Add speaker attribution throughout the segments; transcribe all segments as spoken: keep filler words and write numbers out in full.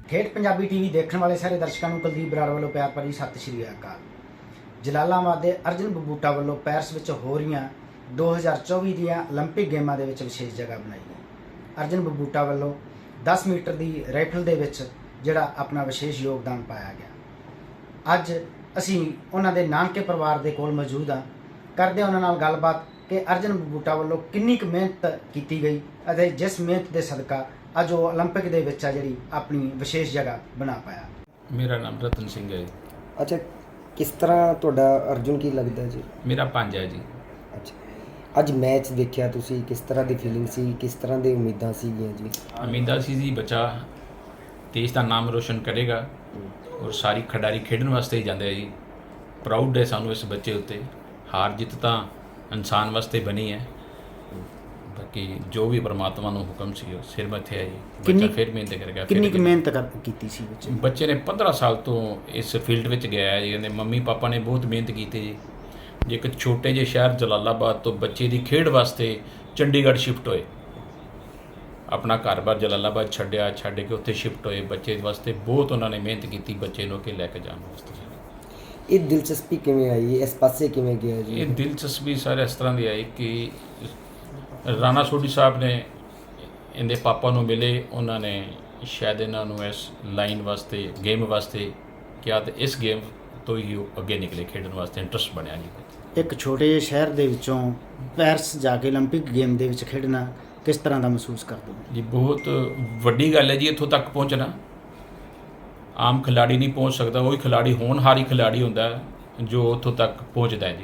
Speaker 1: ਠੇਠ ਪੰਜਾਬੀ ਟੀਵੀ ਦੇਖਣ ਵਾਲੇ ਸਾਰੇ ਦਰਸ਼ਕਾਂ ਨੂੰ ਕੁਲਦੀਪ ਬਰਾੜ ਵੱਲੋਂ ਪਿਆਰ ਭਰੀ ਸਤਿ ਸ਼੍ਰੀ ਅਕਾਲ। ਜਲਾਲਾਬਾਦ ਦੇ ਅਰਜਨ ਬਬੂਟਾ ਵੱਲੋਂ ਪੈਰਿਸ ਵਿੱਚ ਹੋ ਰਹੀਆਂ ਦੋ ਹਜ਼ਾਰ ਚੌਵੀ ਦੀਆਂ 올림픽 ਗੇਮਾਂ ਦੇ ਵਿੱਚ ਵਿਸ਼ੇਸ਼ ਜਗ੍ਹਾ ਬਣਾਈ ਹੈ। ਅਰਜਨ ਬਬੂਟਾ ਵੱਲੋਂ ਦਸ ਮੀਟਰ ਦੀ ਰਾਈਫਲ ਦੇ ਵਿੱਚ ਜਿਹੜਾ ਆਪਣਾ ਵਿਸ਼ੇਸ਼ ਯੋਗਦਾਨ ਪਾਇਆ ਗਿਆ। ਅੱਜ ਅਸੀਂ ਉਹਨਾਂ ਦੇ ਨਾਨਕੇ ਪਰਿਵਾਰ ਦੇ ਕੋਲ ਮੌਜੂਦ ਹਾਂ, ਕਰਦੇ ਉਹਨਾਂ ਨਾਲ ਗੱਲਬਾਤ ਕਿ ਅਰਜਨ ਬਬੂਟਾ ਵੱਲੋਂ ਕਿੰਨੀ ਕੁ ਮਿਹਨਤ ਕੀਤੀ ਗਈ ਅਤੇ ਜਿਸ ਮਿਹਨਤ ਦੇ ਸਦਕਾ ਅੱਜ ਉਹ 올림픽 ਦੇ ਵਿੱਚ ਆ ਜਿਹੜੀ ਆਪਣੀ ਵਿਸ਼ੇਸ਼ ਜਗ੍ਹਾ ਬਣਾ ਪਾਇਆ।
Speaker 2: ਮੇਰਾ ਨਾਮ ਰਤਨ ਸਿੰਘ ਹੈ।
Speaker 3: ਅੱਛਾ, ਕਿਸ ਤਰ੍ਹਾਂ ਤੁਹਾਡਾ ਅਰਜੁਨ ਕੀ ਲੱਗਦਾ ਜੀ?
Speaker 2: ਮੇਰਾ ਪੰਜ ਹੈ ਜੀ।
Speaker 3: ਅੱਛਾ, ਅੱਜ ਮੈਚ ਦੇਖਿਆ ਤੁਸੀਂ, ਕਿਸ ਤਰ੍ਹਾਂ ਦੀ ਫੀਲਿੰਗ ਸੀ, ਕਿਸ ਤਰ੍ਹਾਂ ਦੀ ਉਮੀਦਾਂ ਸੀਗੀਆਂ ਜੀ?
Speaker 2: ਉਮੀਦਾਂ ਸੀ ਜੀ ਬੱਚਾ ਦੇਸ਼ ਦਾ ਨਾਮ ਰੋਸ਼ਨ ਕਰੇਗਾ ਔਰ ਸਾਰੀ ਖਿਡਾਰੀ ਖੇਡਣ ਵਾਸਤੇ ਹੀ ਜਾਂਦੇ ਆ ਜੀ। ਪ੍ਰਾਊਡ ਹੈ ਸਾਨੂੰ ਇਸ ਬੱਚੇ ਉੱਤੇ। ਹਾਰ ਜਿੱਤ ਤਾਂ ਇਨਸਾਨ ਵਾਸਤੇ ਬਣੀ ਹੈ, ਬਾਕੀ ਜੋ ਵੀ ਪਰਮਾਤਮਾ ਨੂੰ ਹੁਕਮ ਸੀ ਉਹ ਸਿਰ ਮੱਥੇ ਆਈ। ਬੱਚਾ ਫਿਰ ਮਿਹਨਤ ਕਰੇਗਾ।
Speaker 1: ਕਿੰਨੀ ਕੁ ਮਿਹਨਤ ਕਰ ਕੀਤੀ ਸੀ ਬੱਚੇ
Speaker 2: ਬੱਚੇ ਨੇ ਪੰਦਰਾਂ ਸਾਲ ਤੋਂ ਇਸ ਫੀਲਡ ਵਿੱਚ ਗਿਆ ਹੈ ਜੀ। ਕਹਿੰਦੇ ਮੰਮੀ ਪਾਪਾ ਨੇ ਬਹੁਤ ਮਿਹਨਤ ਕੀਤੀ ਜੀ। ਜੇ ਇੱਕ ਛੋਟੇ ਜਿਹੇ ਸ਼ਹਿਰ ਜਲਾਲਾਬਾਦ ਤੋਂ ਬੱਚੇ ਦੀ ਖੇਡ ਵਾਸਤੇ ਚੰਡੀਗੜ੍ਹ ਸ਼ਿਫਟ ਹੋਏ, ਆਪਣਾ ਘਰ-ਬਾਰ ਜਲਾਲਾਬਾਦ ਛੱਡਿਆ, ਛੱਡ ਕੇ ਉੱਥੇ ਸ਼ਿਫਟ ਹੋਏ। ਬੱਚੇ ਵਾਸਤੇ ਬਹੁਤ ਉਹਨਾਂ ਨੇ ਮਿਹਨਤ ਕੀਤੀ, ਬੱਚੇ ਨੂੰ ਅੱਗੇ ਲੈ ਕੇ ਜਾਣ ਵਾਸਤੇ।
Speaker 3: ਇਹ ਦਿਲਚਸਪੀ ਕਿਵੇਂ ਆਈ, ਇਸ ਪਾਸੇ ਕਿਵੇਂ ਗਿਆ ਜੀ?
Speaker 2: ਇਹ ਦਿਲਚਸਪੀ ਸਾਰੇ ਇਸ ਤਰ੍ਹਾਂ ਦੀ ਆਈ ਕਿ ਰਾਣਾ ਸੋਢੀ ਸਾਹਿਬ ਨੇ ਇਹਦੇ ਪਾਪਾ ਨੂੰ ਮਿਲੇ, ਉਹਨਾਂ ਨੇ ਸ਼ਾਇਦ ਇਹਨਾਂ ਨੂੰ ਇਸ ਲਾਈਨ ਵਾਸਤੇ, ਗੇਮ ਵਾਸਤੇ ਕਿਹਾ ਤੇ ਇਸ ਗੇਮ ਤੋਂ ਹੀ ਉਹ ਅੱਗੇ ਨਿਕਲੇ, ਖੇਡਣ ਵਾਸਤੇ ਇੰਟਰਸਟ ਬਣਿਆ ਜੀ।
Speaker 1: ਇੱਕ ਛੋਟੇ ਜਿਹੇ ਸ਼ਹਿਰ ਦੇ ਵਿੱਚੋਂ ਪੈਰਿਸ ਜਾ ਕੇ 올림픽 ਗੇਮ ਦੇ ਵਿੱਚ ਖੇਡਣਾ ਕਿਸ ਤਰ੍ਹਾਂ ਦਾ ਮਹਿਸੂਸ ਕਰਦੇ ਹੋ
Speaker 2: ਜੀ? ਬਹੁਤ ਵੱਡੀ ਗੱਲ ਹੈ ਜੀ ਇੱਥੋਂ ਤੱਕ ਪਹੁੰਚਣਾ। ਆਮ ਖਿਲਾੜੀ ਨਹੀਂ ਪਹੁੰਚ ਸਕਦਾ, ਉਹੀ ਖਿਲਾੜੀ ਹੋਣਹਾਰੀ ਖਿਲਾੜੀ ਹੁੰਦਾ ਜੋ ਉੱਥੋਂ ਤੱਕ ਪਹੁੰਚਦਾ ਹੈ ਜੀ।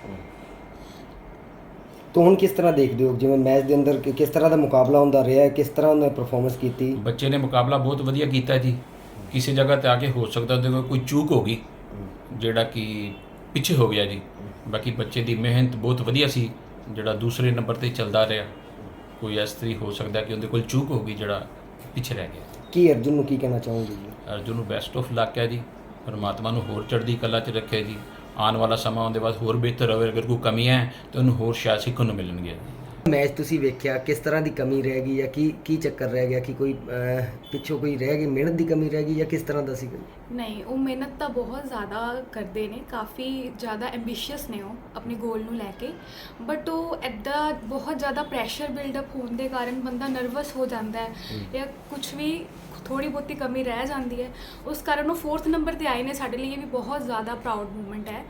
Speaker 3: ਤਾਂ ਹੁਣ ਕਿਸ ਤਰ੍ਹਾਂ ਦੇਖਦੇ ਹੋ, ਜਿਵੇਂ ਮੈਚ ਦੇ ਅੰਦਰ ਕਿ- ਕਿਸ ਤਰ੍ਹਾਂ ਦਾ ਮੁਕਾਬਲਾ ਹੁੰਦਾ ਰਿਹਾ, ਕਿਸ ਤਰ੍ਹਾਂ ਉਹਨੇ ਪਰਫਾਰਮੈਂਸ ਕੀਤੀ?
Speaker 2: ਬੱਚੇ ਨੇ ਮੁਕਾਬਲਾ ਬਹੁਤ ਵਧੀਆ ਕੀਤਾ ਜੀ। ਕਿਸੇ ਜਗ੍ਹਾ ਤੇ ਆ ਕੇ ਹੋ ਸਕਦਾ ਉਹਦੇ ਕੋਲ ਕੋਈ ਚੂਕ ਹੋ ਗਈ, ਜਿਹੜਾ ਕਿ ਪਿੱਛੇ ਹੋ ਗਿਆ ਜੀ। ਬਾਕੀ ਬੱਚੇ ਦੀ ਮਿਹਨਤ ਬਹੁਤ ਵਧੀਆ ਸੀ, ਜਿਹੜਾ ਦੂਸਰੇ ਨੰਬਰ ਤੇ ਚੱਲਦਾ ਰਿਹਾ। ਕੋਈ ਇਸ ਤਰੀ ਹੋ ਸਕਦਾ ਕਿ ਉਹਦੇ ਕੋਲ ਚੂਕ ਹੋ ਗਈ, ਜਿਹੜਾ ਪਿੱਛੇ ਰਹਿ ਗਿਆ।
Speaker 3: ਕੀ ਅਰਜੁਨ ਨੂੰ ਕੀ ਕਹਿਣਾ ਚਾਹੋਗੇ ਜੀ?
Speaker 2: ਅਰਜੁਨ ਨੂੰ ਬੈਸਟ ਆਫ ਲੱਕ ਹੈ ਜੀ। ਪਰਮਾਤਮਾ ਨੂੰ ਹੋਰ ਚੜ੍ਹਦੀ ਕਲਾ 'ਚ ਰੱਖੇ ਜੀ। ਆਉਣ ਵਾਲਾ ਸਮਾਂ ਉਹਦੇ ਬਾਅਦ ਹੋਰ ਬਿਹਤਰ ਹੋਵੇ। ਅਗਰ ਕੋਈ ਕਮੀ ਹੈ ਤਾਂ ਉਹਨੂੰ ਹੋਰ ਸ਼ਾਇਦ ਸਿੱਖਣ ਨੂੰ ਮਿਲਣਗੇ।
Speaker 3: ਮੈਚ ਤੁਸੀਂ ਵੇਖਿਆ, ਕਿਸ ਤਰ੍ਹਾਂ ਦੀ ਕਮੀ ਰਹਿ ਗਈ ਜਾਂ ਕੀ ਕੀ ਚੱਕਰ ਰਹਿ ਗਿਆ? ਕਿ ਕੋਈ ਅਹ, ਪਿੱਛੋਂ ਕੋਈ ਰਹਿ ਗਈ, ਮਿਹਨਤ ਦੀ ਕਮੀ ਰਹਿ ਗਈ ਜਾਂ ਕਿਸ ਤਰ੍ਹਾਂ ਦਾ ਸੀਗਾ?
Speaker 4: ਨਹੀਂ, ਉਹ ਮਿਹਨਤ ਤਾਂ ਬਹੁਤ ਜ਼ਿਆਦਾ ਕਰਦੇ ਨੇ, ਕਾਫੀ ਜ਼ਿਆਦਾ ਐਂਬੀਸ਼ੀਅਸ ਨੇ ਉਹ ਆਪਣੇ ਗੋਲ ਨੂੰ ਲੈ ਕੇ। ਬਟ ਉਹ ਇੱਦਾਂ ਬਹੁਤ ਜ਼ਿਆਦਾ ਪ੍ਰੈਸ਼ਰ ਬਿਲਡਅਪ ਹੋਣ ਦੇ ਕਾਰਨ ਬੰਦਾ ਨਰਵਸ ਹੋ ਜਾਂਦਾ ਹੈ ਜਾਂ ਕੁਝ ਵੀ ਥੋੜੀ ਬਹੁਤੀ ਕਮੀ ਰਹਿ ਜਾਂਦੀ ਹੈ। ਉਸ ਕਾਰਨ ਉਹ ਫੋਰਥ ਨੰਬਰ ਤੇ ਆਏ ਨੇ। ਸਾਡੇ ਲਈ ਇਹ ਵੀ ਬਹੁਤ ਜ਼ਿਆਦਾ ਪ੍ਰਾਊਡ ਮੂਮੈਂਟ ਹੈ।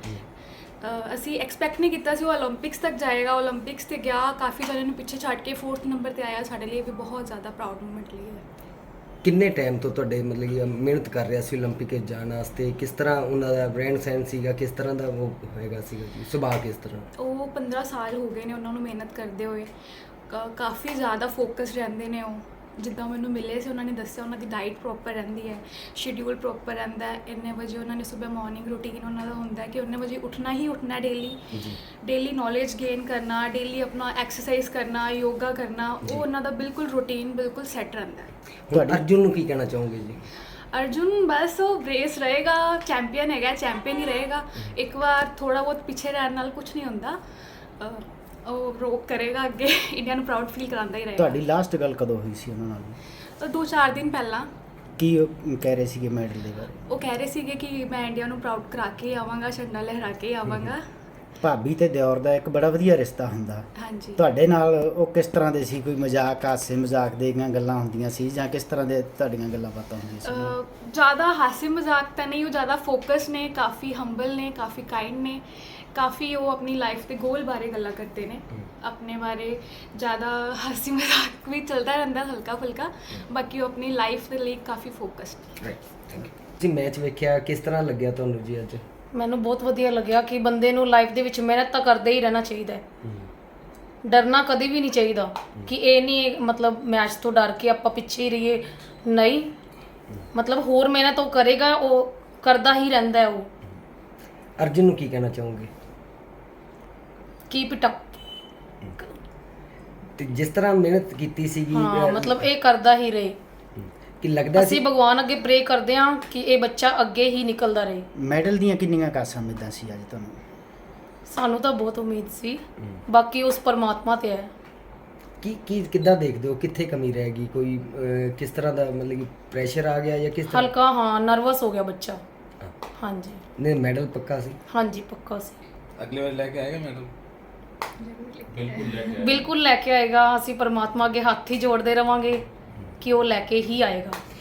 Speaker 4: ਅ, ਅਸੀਂ ਐਕਸਪੈਕਟ ਨਹੀਂ ਕੀਤਾ ਸੀ ਉਹ 올림픽ਸ ਤੱਕ ਜਾਏਗਾ। 올림픽ਸ ਤੇ ਗਿਆ, ਕਾਫੀ ਜਣਿਆਂ ਨੂੰ ਪਿੱਛੇ ਛੱਡ ਕੇ ਫੋਰਥ ਨੰਬਰ ਤੇ ਆਇਆ। ਸਾਡੇ ਲਈ ਇਹ ਵੀ ਬਹੁਤ ਜ਼ਿਆਦਾ ਪ੍ਰਾਊਡ ਮੂਮੈਂਟ ਲਈ ਹੈ। ਕਿੰਨੇ
Speaker 3: ਟਾਈਮ ਤੋਂ ਤੁਹਾਡੇ ਮਤਲਬ ਕਿ ਮਿਹਨਤ ਕਰ ਰਿਹਾ ਸੀ 올림픽 ਵਿੱਚ ਜਾਣ ਵਾਸਤੇ? ਕਿਸ ਤਰ੍ਹਾਂ ਉਹਨਾਂ ਦਾ ਰਹਿਣ ਸਹਿਣ ਸੀਗਾ, ਕਿਸ ਤਰ੍ਹਾਂ ਦਾ ਉਹ ਹੋਏਗਾ ਸੀਗਾ ਜੀ, ਸੁਭਾਅ ਕਿਸ ਤਰ੍ਹਾਂ?
Speaker 4: ਉਹ ਪੰਦਰਾਂ ਸਾਲ ਹੋ ਗਏ ਨੇ ਉਹਨਾਂ ਨੂੰ ਮਿਹਨਤ ਕਰਦੇ ਹੋਏ। ਕ- ਕਾਫੀ ਜ਼ਿਆਦਾ ਫੋਕਸ ਰਹਿੰਦੇ ਨੇ ਉਹ। ਜਿੱਦਾਂ ਮੈਨੂੰ ਮਿਲੇ ਸੀ ਉਹਨਾਂ ਨੇ ਦੱਸਿਆ, ਉਹਨਾਂ ਦੀ ਡਾਈਟ ਪ੍ਰੋਪਰ ਰਹਿੰਦੀ ਹੈ, ਸ਼ਡਿਊਲ ਪ੍ਰੋਪਰ ਰਹਿੰਦਾ ਹੈ। ਇੰਨੇ ਵਜੇ ਉਹਨਾਂ ਨੇ ਸਵੇਰ ਮਾਰਨਿੰਗ ਰੂਟੀਨ ਉਹਨਾਂ ਦਾ ਹੁੰਦਾ ਹੈ ਕਿ ਉਨੇ ਵਜੇ ਉੱਠਣਾ ਹੀ ਉੱਠਣਾ, ਡੇਲੀ ਡੇਲੀ ਨੌਲੇਜ ਗੇਨ ਕਰਨਾ, ਡੇਲੀ ਆਪਣਾ ਐਕਸਰਸਾਈਜ਼ ਕਰਨਾ, ਯੋਗਾ ਕਰਨਾ। ਉਹ ਉਹਨਾਂ ਦਾ ਬਿਲਕੁਲ ਰੂਟੀਨ ਬਿਲਕੁਲ ਸੈੱਟ ਰਹਿੰਦਾ ਹੈ।
Speaker 3: ਹੁਣ ਅਰਜੁਨ ਨੂੰ ਕੀ ਕਹਿਣਾ ਚਾਹੋਗੇ ਜੀ?
Speaker 4: ਅਰਜੁਨ ਬਸ ਉਹ ਰੇਸ ਰਹੇਗਾ, ਚੈਂਪੀਅਨ ਹੈਗਾ, ਚੈਂਪੀਅਨ ਹੀ ਰਹੇਗਾ। ਇੱਕ ਵਾਰ ਥੋੜਾ ਬਹੁਤ ਪਿੱਛੇ ਰਹਿਣ ਨਾਲ ਕੁਝ ਨਹੀਂ ਹੁੰਦਾ। ਅ, ਉਹ ਰੋਕ ਕਰੇਗਾ ਅੱਗੇ, ਇੰਡੀਆ ਨੂੰ ਪ੍ਰਾਊਡ ਫੀਲ ਕਰਾਉਂਦਾ ਹੀ ਰਹੇਗਾ।
Speaker 1: ਤੁਹਾਡੀ ਲਾਸਟ ਗੱਲ ਕਦੋਂ ਹੋਈ ਸੀ ਉਹਨਾਂ ਨਾਲ?
Speaker 4: ਤਾਂ ਦੋ ਚਾਰ ਦਿਨ ਪਹਿਲਾਂ।
Speaker 1: ਕੀ ਉਹ ਕਹਿ ਰਹੇ ਸੀਗੇ ਮੈਡਲ ਦੇ ਬਾਰੇ?
Speaker 4: ਉਹ ਕਹਿ ਰਹੇ ਸੀਗੇ ਕਿ ਮੈਂ ਇੰਡੀਆ ਨੂੰ ਪ੍ਰਾਊਡ ਕਰਾ ਕੇ ਆਵਾਂਗਾ, ਝੰਡਾ ਲਹਿਰਾ ਕੇ ਆਵਾਂਗਾ।
Speaker 1: ਭਾਬੀ ਤੇ ਦਿਓਰ ਦਾ ਇੱਕ ਬੜਾ ਵਧੀਆ ਰਿਸ਼ਤਾ ਹੁੰਦਾ।
Speaker 4: ਹਾਂਜੀ।
Speaker 1: ਤੁਹਾਡੇ ਨਾਲ ਉਹ ਕਿਸ ਤਰ੍ਹਾਂ ਦੇ ਸੀ? ਕੋਈ ਮਜ਼ਾਕ, ਹਾਸੇ ਮਜ਼ਾਕ ਦੀਆਂ ਗੱਲਾਂ ਹੁੰਦੀਆਂ ਸੀ ਜਾਂ ਕਿਸ ਤਰ੍ਹਾਂ ਦੇ ਤੁਹਾਡੀਆਂ ਗੱਲਾਂ ਬਾਤਾਂ ਹੁੰਦੀਆਂ ਸੀ?
Speaker 4: ਅਹ ਜ਼ਿਆਦਾ ਹਾਸੇ ਮਜ਼ਾਕ ਤਾਂ ਨਹੀਂ, ਉਹ ਜ਼ਿਆਦਾ ਫੋਕਸ ਨੇ, ਕਾਫੀ ਹੰਬਲ ਨੇ, ਕਾਫੀ ਕਾਈਂਡ ਨੇ, ਕਾਫੀ ਉਹ ਆਪਣੀ ਲਾਈਫ ਦੇ ਗੋਲ ਬਾਰੇ ਗੱਲਾਂ ਕਰਦੇ ਨੇ। ਆਪਣੇ ਬਾਰੇ ਜ਼ਿਆਦਾ ਹਾਸੀ ਮਜ਼ਾਕ ਵੀ ਚੱਲਦਾ ਰਹਿੰਦਾ ਹਲਕਾ ਫੁਲਕਾ, ਬਾਕੀ ਉਹ ਆਪਣੀ ਲਾਈਫ ਦੇ ਲਈ ਕਾਫੀ focused.
Speaker 3: Right, thank you ji. Match ਵੇਖਿਆ, ਕਿਸ ਤਰ੍ਹਾਂ ਲੱਗਿਆ ਤੁਹਾਨੂੰ ਜੀ ਅੱਜ?
Speaker 5: ਮੈਨੂੰ ਬਹੁਤ ਵਧੀਆ ਲੱਗਿਆ ਕਿ ਬੰਦੇ ਨੂੰ ਲਾਈਫ ਦੇ ਵਿੱਚ ਮਿਹਨਤ ਤਾਂ ਕਰਦੇ ਹੀ ਰਹਿਣਾ ਚਾਹੀਦਾ ਹੈ। ਡਰਨਾ ਕਦੇ ਵੀ ਨਹੀਂ ਚਾਹੀਦਾ ਕਿ ਇਹ ਨਹੀਂ ਮਤਲਬ ਮੈਚ ਤੋਂ ਡਰ ਕੇ ਆਪਾਂ ਪਿੱਛੇ ਹੀ ਰਹੀਏ। ਨਹੀਂ, ਮਤਲਬ ਹੋਰ ਮਿਹਨਤ ਉਹ ਕਰੇਗਾ, ਉਹ ਕਰਦਾ ਹੀ ਰਹਿੰਦਾ ਹੈ। ਉਹ
Speaker 3: ਅਰਜੁਨ ਨੂੰ ਕੀ ਕਹਿਣਾ ਚਾਹੋਗੇ?
Speaker 5: Keep it up.
Speaker 3: ਤੇ ਜਿਸ ਤਰ੍ਹਾਂ ਮਿਹਨਤ ਕੀਤੀ ਸੀਗੀ,
Speaker 5: ਹਾਂ, ਮਤਲਬ ਇਹ ਕਰਦਾ ਹੀ ਰਹੇ।
Speaker 3: ਕਿ ਲੱਗਦਾ
Speaker 5: ਅਸੀਂ
Speaker 3: ਸੀ
Speaker 5: ਭਗਵਾਨ ਅੱਗੇ ਪ੍ਰੇ ਕਰਦੇ ਹਾਂ ਕਿ ਇਹ ਬੱਚਾ ਅੱਗੇ ਹੀ ਨਿਕਲਦਾ ਰਹੇ।
Speaker 1: ਮੈਡਲ ਦੀਆਂ ਕਿੰਨੀਆਂ ਕਾਸਾਂ ਉਮੀਦਾਂ ਸੀ ਅੱਜ ਤੁਹਾਨੂੰ?
Speaker 5: ਸਾਨੂੰ ਤਾਂ ਬਹੁਤ ਉਮੀਦ ਸੀ, ਬਾਕੀ ਉਸ ਪਰਮਾਤਮਾ ਤੇ ਹੈ।
Speaker 3: ਕੀ ਕੀ ਕਿੱਦਾਂ ਦੇਖਦੇ ਹੋ, ਕਿੱਥੇ ਕਮੀ ਰਹਿ ਗਈ? ਕੋਈ ਅਹ, ਕਿਸ ਤਰ੍ਹਾਂ ਦਾ ਮਤਲਬ ਕਿ ਪ੍ਰੈਸ਼ਰ ਆ ਗਿਆ ਜਾਂ ਕਿਸ ਤਰ੍ਹਾਂ?
Speaker 5: ਹਲਕਾ ਹਾਂ ਨਰਵਸ ਹੋ ਗਿਆ ਬੱਚਾ।
Speaker 3: ਹਾਂ।
Speaker 5: ਹਾਂਜੀ
Speaker 3: ਨਹੀਂ, ਮੈਡਲ ਪੱਕਾ ਸੀ।
Speaker 5: ਹਾਂਜੀ ਪੱਕਾ ਸੀ।
Speaker 6: ਅਗਲੇ ਵਾਰ ਲੈ ਕੇ ਆਏਗਾ ਮੈਡਲ?
Speaker 2: ਬਿਲਕੁਲ ਲੈ ਕੇ
Speaker 5: ਬਿਲਕੁਲ ਲੈ ਕੇ ਆਏਗਾ। ਅਸੀਂ ਪਰਮਾਤਮਾ ਅੱਗੇ ਹੱਥ ਹੀ ਜੋੜਦੇ ਰਵਾਂਗੇ ਕਿ ਉਹ ਲੈ ਕੇ ਹੀ ਆਏਗਾ।